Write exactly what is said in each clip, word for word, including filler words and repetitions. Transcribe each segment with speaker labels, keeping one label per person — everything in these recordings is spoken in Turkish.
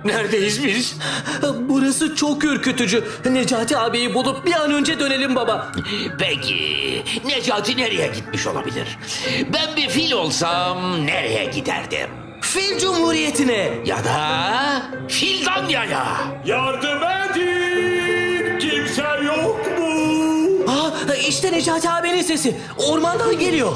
Speaker 1: Neredeyiz biz?
Speaker 2: Burası çok ürkütücü. Necati abiyi bulup bir an önce dönelim baba.
Speaker 3: Peki, Necati nereye gitmiş olabilir? Ben bir fil olsam nereye giderdim?
Speaker 2: Fil Cumhuriyeti'ne.
Speaker 3: Ya da Fildanya'ya.
Speaker 1: Yardım edin! Kimse yok mu?
Speaker 2: Aa, işte Necati abinin sesi. Ormandan geliyor.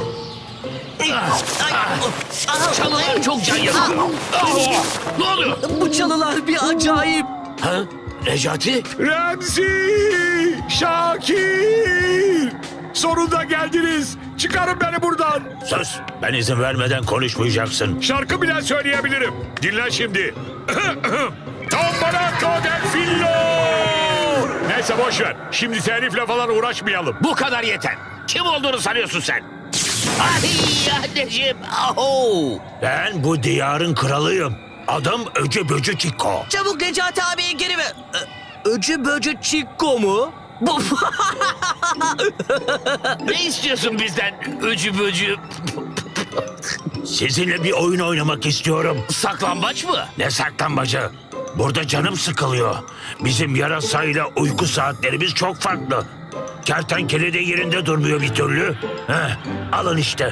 Speaker 3: Çalılar çok can yakıyor. Ah, ne oluyor?
Speaker 2: Bu çalılar bir acayip.
Speaker 3: Ha? Necati?
Speaker 1: Remzi! Şakir! Sonunda geldiniz. Çıkarın beni buradan.
Speaker 4: Sus! Ben izin vermeden konuşmayacaksın.
Speaker 1: Şarkı bile söyleyebilirim. Dinle şimdi. Tam bana kadar fillo! Neyse boş ver. Şimdi telifle falan uğraşmayalım.
Speaker 3: Bu kadar yeter. Kim olduğunu sanıyorsun sen? Ay anneciğim. Aho.
Speaker 4: Ben bu diyarın kralıyım. Adım Öcü Böcü Çiko.
Speaker 2: Çabuk Necati abiyi geri ver. Ö- Öcü böcü çikko mu? Bu
Speaker 3: Ne istiyorsun bizden? Öcü böcü.
Speaker 4: Sizinle bir oyun oynamak istiyorum.
Speaker 3: Saklambaç mı?
Speaker 4: Ne saklambacı? Burada canım sıkılıyor. Bizim yarasayla uyku saatlerimiz çok farklı. Kertenkele de yerinde durmuyor bir türlü. Heh, alın işte.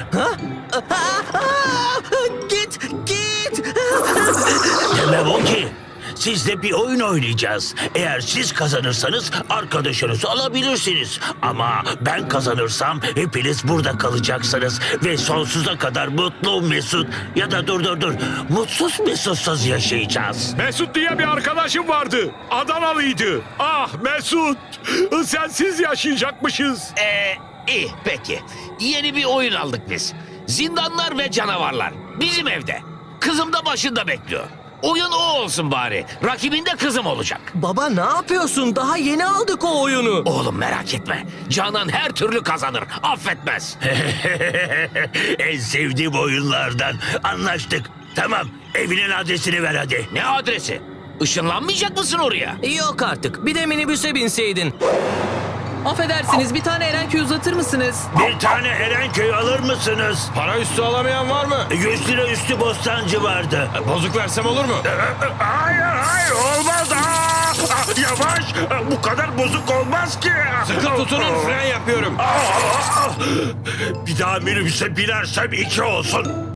Speaker 2: Git, git.
Speaker 4: Demem o ki. Sizle bir oyun oynayacağız. Eğer siz kazanırsanız arkadaşınızı alabilirsiniz. Ama ben kazanırsam hepiniz burada kalacaksınız. Ve sonsuza kadar mutlu mesut ya da dur dur dur mutsuz mesutsuz yaşayacağız.
Speaker 1: Mesut diye bir arkadaşım vardı. Adanalıydı. Ah Mesut. Sensiz yaşayacakmışız.
Speaker 3: Ee, iyi peki. Yeni bir oyun aldık biz. Zindanlar ve canavarlar. Bizim evde. Kızım da başında bekliyor. Oyun o olsun bari. Rakibin de kızım olacak.
Speaker 2: Baba ne yapıyorsun? Daha yeni aldık o oyunu.
Speaker 3: Oğlum merak etme. Canan her türlü kazanır. Affetmez.
Speaker 4: En sevdiğim oyunlardan. Anlaştık. Tamam, evinin adresini ver hadi.
Speaker 3: Ne adresi? Işınlanmayacak mısın oraya?
Speaker 2: Yok artık. Bir de minibüse binseydin.
Speaker 5: Affedersiniz, bir tane Erenköy uzatır mısınız?
Speaker 4: Bir tane Erenköy alır mısınız?
Speaker 1: Para üstü alamayan var mı?
Speaker 4: Yüz lira üstü bostancı vardı.
Speaker 1: Bozuk versem olur mu?
Speaker 4: Hayır hayır olmaz. Aa, aa, yavaş. Bu kadar bozuk olmaz ki.
Speaker 1: Sıkı tutunun, fren yapıyorum.
Speaker 4: Aa, aa, aa. Bir daha minibüse binersem iki olsun.